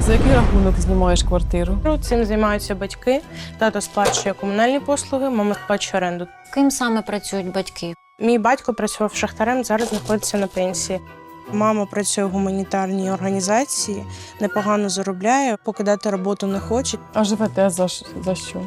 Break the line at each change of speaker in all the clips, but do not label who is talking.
За який рахунок знімаєш квартиру?
Цим займаються батьки. Тато сплачує комунальні послуги, мама сплачує оренду.
Ким саме працюють батьки?
Мій батько працював шахтарем, зараз знаходиться на пенсії. Мама працює в гуманітарній організації, непогано заробляє, покидати роботу не хоче.
А живете за що?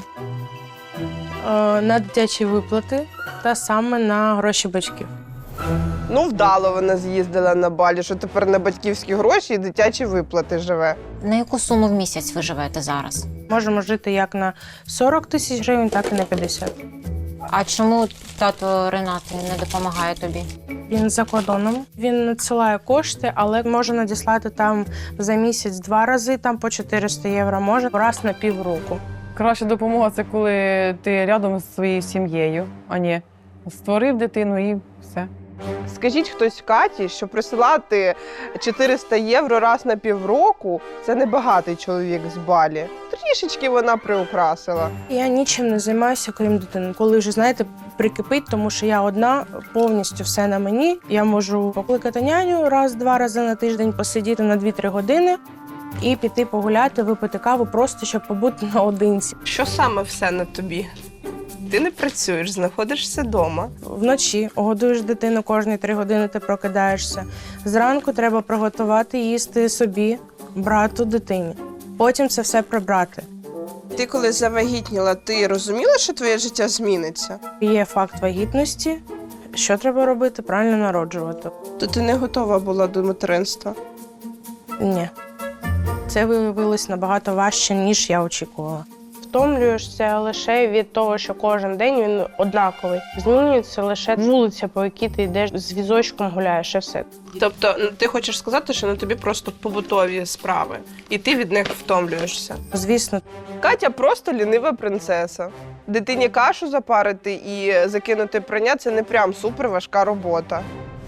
На дитячі виплати та саме на гроші батьків.
Ну, вдало вона з'їздила на Балі, що тепер на батьківські гроші і дитячі виплати живе.
На яку суму в місяць ви живете зараз?
Можемо жити як на 40 тисяч гривень, так і на 50.
А чому тато Ренат не допомагає тобі?
Він за кордоном, він надсилає кошти, але може надіслати там за місяць 2 рази, там по 400 євро, може раз на півроку.
Краща допомога – це коли ти рядом з своєю сім'єю, а не створив дитину і все.
Скажіть хтось Каті, що присилати 400 євро раз на півроку – це небагатий чоловік з Балі. Трішечки вона приукрасила.
Я нічим не займаюся, крім дитини. Коли вже, знаєте, прикипить, тому що я одна, повністю все на мені. Я можу покликати няню раз-два рази на тиждень, посидіти на 2-3 години і піти погуляти, випити каву, просто щоб побути наодинці.
Що саме все на тобі? Ти не працюєш, знаходишся вдома.
Вночі годуєш дитину, кожні 3 години ти прокидаєшся. Зранку треба приготувати їсти собі, брату, дитині. Потім це все прибрати.
Ти коли завагітніла, ти розуміла, що твоє життя зміниться?
Є факт вагітності. Що треба робити? Правильно народжувати.
То ти не готова була до материнства?
Ні. Це виявилось набагато важче, ніж я очікувала. Втомлюєшся лише від того, що кожен день він однаковий. Змінюється лише вулиця, по якій ти йдеш з візочком гуляєш, і все.
Тобто ти хочеш сказати, що на тобі просто побутові справи, і ти від них втомлюєшся?
Звісно,
Катя просто лінива принцеса. Дитині кашу запарити і закинути прання – це не прям суперважка робота.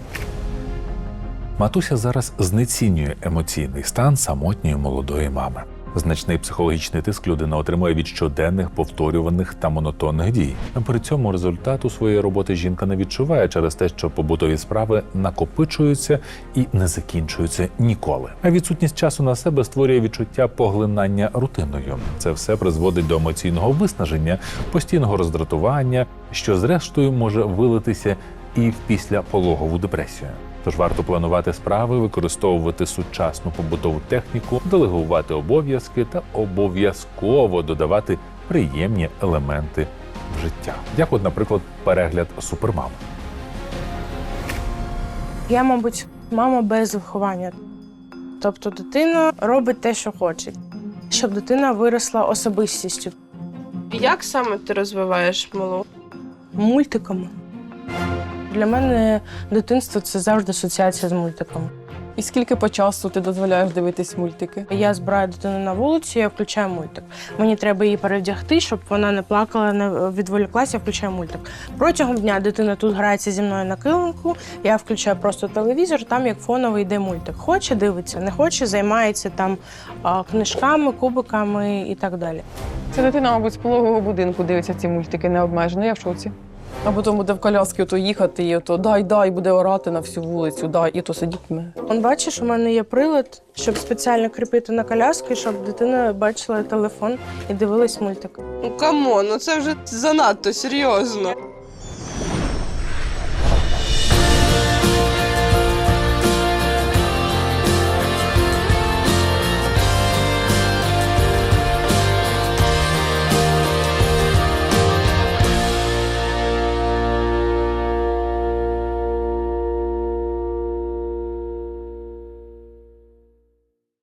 Матуся зараз знецінює емоційний стан самотньої молодої мами. Значний психологічний тиск людина отримує від щоденних, повторюваних та монотонних дій. При цьому результату своєї роботи жінка не відчуває через те, що побутові справи накопичуються і не закінчуються ніколи. А відсутність часу на себе створює відчуття поглинання рутиною. Це все призводить до емоційного виснаження, постійного роздратування, що зрештою може вилитися і в післяпологову депресію. Тож варто планувати справи, використовувати сучасну побутову техніку, делегувати обов'язки та обов'язково додавати приємні елементи в життя. Як от, наприклад, перегляд «Супермам».
я, мабуть, мама без виховання. Тобто дитина робить те, що хоче, щоб дитина виросла особистістю.
Як саме ти розвиваєш малу?
Мультиками. Для мене дитинство – це завжди асоціація з мультиками.
І скільки по часу ти дозволяєш дивитись мультики?
Я збираю дитину на вулицю, я включаю мультик. Мені треба її перевдягти, щоб вона не плакала, не відволіклася, я включаю мультик. Протягом дня дитина тут грається зі мною на килимку, я включаю просто телевізор, там як фоновий йде мультик. Хоче – дивиться, не хоче – займається там книжками, кубиками і так далі.
Ця дитина, мабуть, з пологового будинку дивиться ці мультики необмежено, я в шоці. А потім буде в коляски ото їхати, і ото дай, буде орати на всю вулицю, дай, і то сидітиме.
Он бачиш, у мене є прилад, щоб спеціально кріпити на коляски, щоб дитина бачила телефон і дивилась мультик.
Ну камон, ну це вже занадто серйозно.